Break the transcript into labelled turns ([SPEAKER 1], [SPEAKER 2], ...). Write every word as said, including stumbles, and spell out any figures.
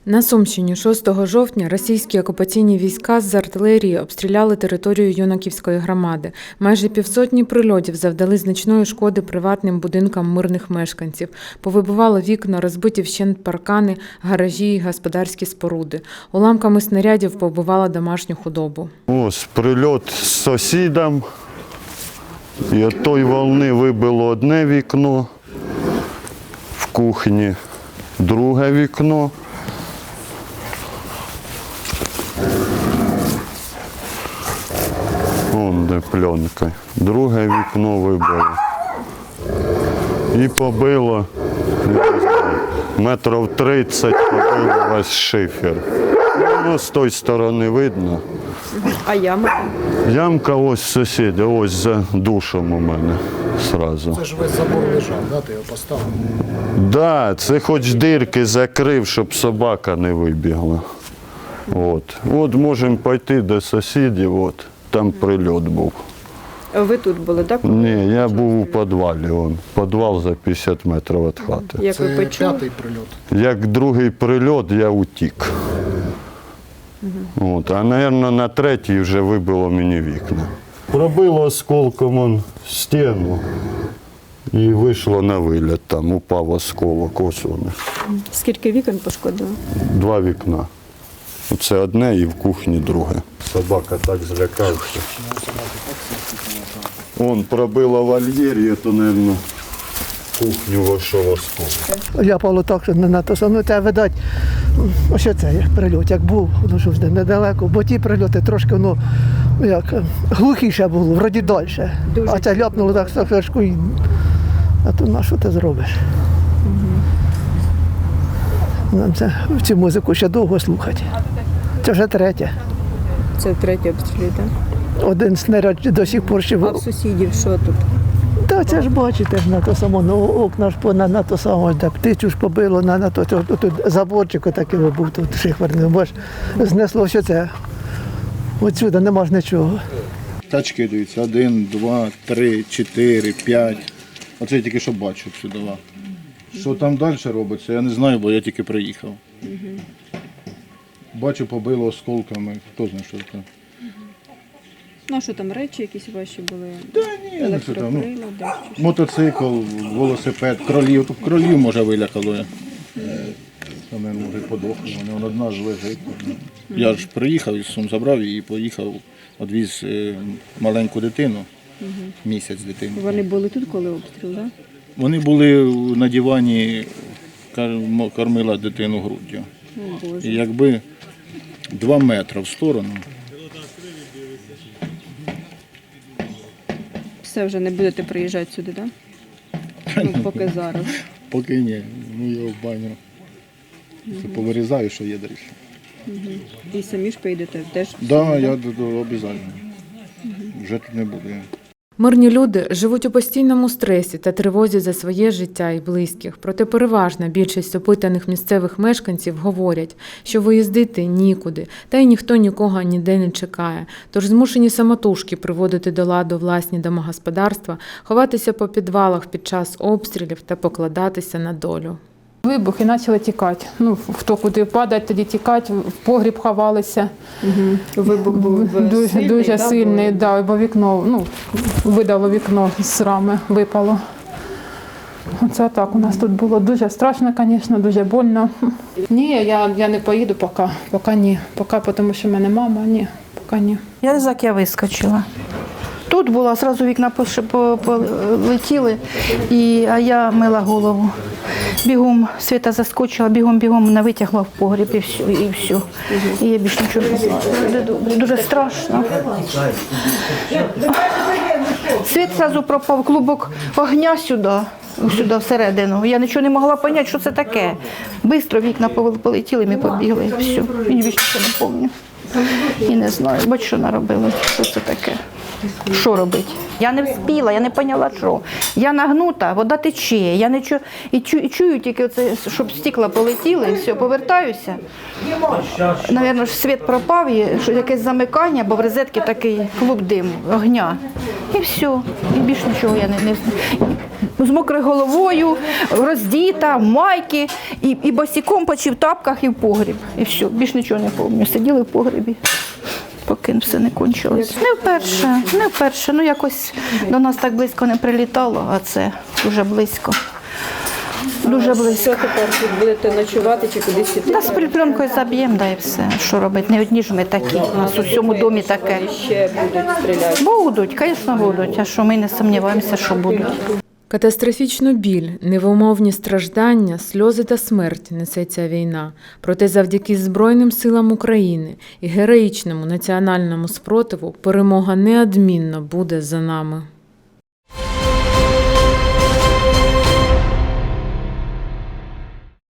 [SPEAKER 1] На Сумщині шостого жовтня російські окупаційні війська з артилерії обстріляли територію Юнаківської громади. Майже півсотні прильотів завдали значної шкоди приватним будинкам мирних мешканців. Повибивало вікна, розбиті вщент паркани, гаражі і господарські споруди. Уламками снарядів побивало домашню худобу.
[SPEAKER 2] Ось прильот з сусідом. І від тої волни вибило одне вікно в кухні, друге вікно. Вон де пленка. Друге вікно вибило. І побило метрів тридцять, побило весь шифер. Ну, з тої сторони видно.
[SPEAKER 1] А яма?
[SPEAKER 2] Ямка ось сусіда, ось за душем у мене сразу.
[SPEAKER 3] Це ж весь забор лежав, да? Ти його поставив?
[SPEAKER 2] Да, це хоч дирки закрив, щоб собака не вибігла. От, от можемо піти до сусідів, от, там прильот був.
[SPEAKER 1] Ви тут були, так?
[SPEAKER 2] Ні, я був у підвалі, он, підвал за п'ятдесят метрів від хати.
[SPEAKER 1] Як ви
[SPEAKER 3] Це
[SPEAKER 1] почули?
[SPEAKER 3] п'ятий прильот.
[SPEAKER 2] Як другий прильот, я утік. От, а, мабуть, на третій вже вибило мені вікна. Пробило осколком он стіну і вийшло на виліт, там упав осколок, ось вони.
[SPEAKER 1] Скільки вікон пошкодило?
[SPEAKER 2] Два вікна. Це одне і в кухні друге. Собака так злякався. Он пробило вольєр, то, мабуть, в кухню вийшов осколок.
[SPEAKER 4] Ляпало так, що не на то саме. Те, видать, ось це як прильот, як був, воно ж вже недалеко, бо ті прильоти трошки, ну, як, глухіше було, вроді далі. А це ляпнуло так страшно, і... а то на що ти зробиш? Нам це, цю музику ще довго слухати. Це вже третє.
[SPEAKER 1] Це третій обстріл, так?
[SPEAKER 4] Один снаряд до сих пор ще...
[SPEAKER 1] А в сусідів що тут?
[SPEAKER 4] Так, це ж бачите, на то само, ну, окна ж по- на, на то саме, де птицю ж побило, на, на то, то, то, тут заборчик отакий був, тут шихварний, бо ж знесло все це. Отсюди нема ж нічого.
[SPEAKER 5] Тачки дивіться, один, два, три, чотири, п'ять. Оце я тільки що бачу сюди. Що там далі робиться, я не знаю, бо я тільки приїхав. Бачу, побило осколками, хто знає, що це.
[SPEAKER 1] Ну, а що там, речі якісь ваші були?
[SPEAKER 5] Та ні, не що там. Ну,
[SPEAKER 1] Електроприлади?
[SPEAKER 5] мотоцикл, велосипед, кролів. Тут кролів, може, вилякало. Вони, може, подохли, вони одна ж лежить. Я ж приїхав із Сум, забрав і поїхав, відвіз е, маленьку дитину, місяць дитину.
[SPEAKER 1] Вони були тут, коли обстріл, так?
[SPEAKER 5] Вони були на дивані, кар- кормила дитину груддю.
[SPEAKER 1] О, Боже.
[SPEAKER 5] І якби два метри в сторону,
[SPEAKER 1] Все, вже не будете приїжджати сюди, так? Ну, поки зараз.
[SPEAKER 5] поки ні, ну я в баню. Це повирізаю, що є далі.
[SPEAKER 1] І самі ж поїдете теж?
[SPEAKER 5] Так, да, я обов'язково. Вже тут не буду.
[SPEAKER 1] Мирні люди живуть у постійному стресі та тривозі за своє життя і близьких. Проте переважна більшість опитаних місцевих мешканців говорять, що виїздити нікуди, та й ніхто нікого ніде не чекає. Тож змушені самотужки приводити до ладу власні домогосподарства, ховатися по підвалах під час обстрілів та покладатися на долю.
[SPEAKER 6] Вибух і почали тікати. Ну, хто куди падає, тоді тікати, в погріб ховалися.
[SPEAKER 1] Вибух був
[SPEAKER 6] Дуже
[SPEAKER 1] сильний,
[SPEAKER 6] дуже
[SPEAKER 1] да,
[SPEAKER 6] сильний, да, бо вікно, ну, видало вікно з рами, випало. Оце так у нас тут було. Дуже страшно, звісно, дуже больно. Ні, я, я не поїду поки, поки ні. Поки, тому що в мене мама, ні, поки ні.
[SPEAKER 7] Я як я вискочила. Тут була, одразу вікна пош- по- полетіли, і, а я мила голову. Бігом Світа заскочила, бігом-бігом мене витягла в погріб і все. І, все. І я більше нічого не знаю. Дуже добре, дуже страшно. Світ одразу пропав, клубок огня сюди, сюди всередину. Я нічого не могла зрозуміти, що це таке. Бистро вікна полетіли, ми побігли, і все. І більше нічого не пам'ятаю. І не знаю, бач, що наробили, що це таке. Що робити? Я не вспіла, я не поняла, що. Я нагнута, вода тече, я не чую, і, чую, і чую тільки, оце, щоб стекла полетіли, і все, повертаюся. Навірно, ж світ пропав, і що якесь замикання, бо в розетці такий клуб диму, огня. І все, і більш нічого я не, не з мокрою головою, роздіта, в майки, і, і босиком почти в тапках і в погріб. І все, більш нічого не пам'ятаю. Сиділи в погрібі, поки все не кончилось. Не вперше, не вперше. Ну якось до нас так близько не прилітало, а це дуже близько. Дуже близько.
[SPEAKER 8] Що тепер тут будете ночувати чи кудись іти?
[SPEAKER 7] Та з припленкою заб'ємо, да і все. Що робити? Не одні ж ми такі. У нас у всьому домі таке.
[SPEAKER 8] Ще будуть стріляти.
[SPEAKER 7] Будуть, звісно, будуть. А що ми не сумніваємося, що будуть.
[SPEAKER 1] Катастрофічну біль, невимовні страждання, сльози та смерть несе ця війна. Проте завдяки Збройним силам України і героїчному національному спротиву перемога неодмінно буде за нами.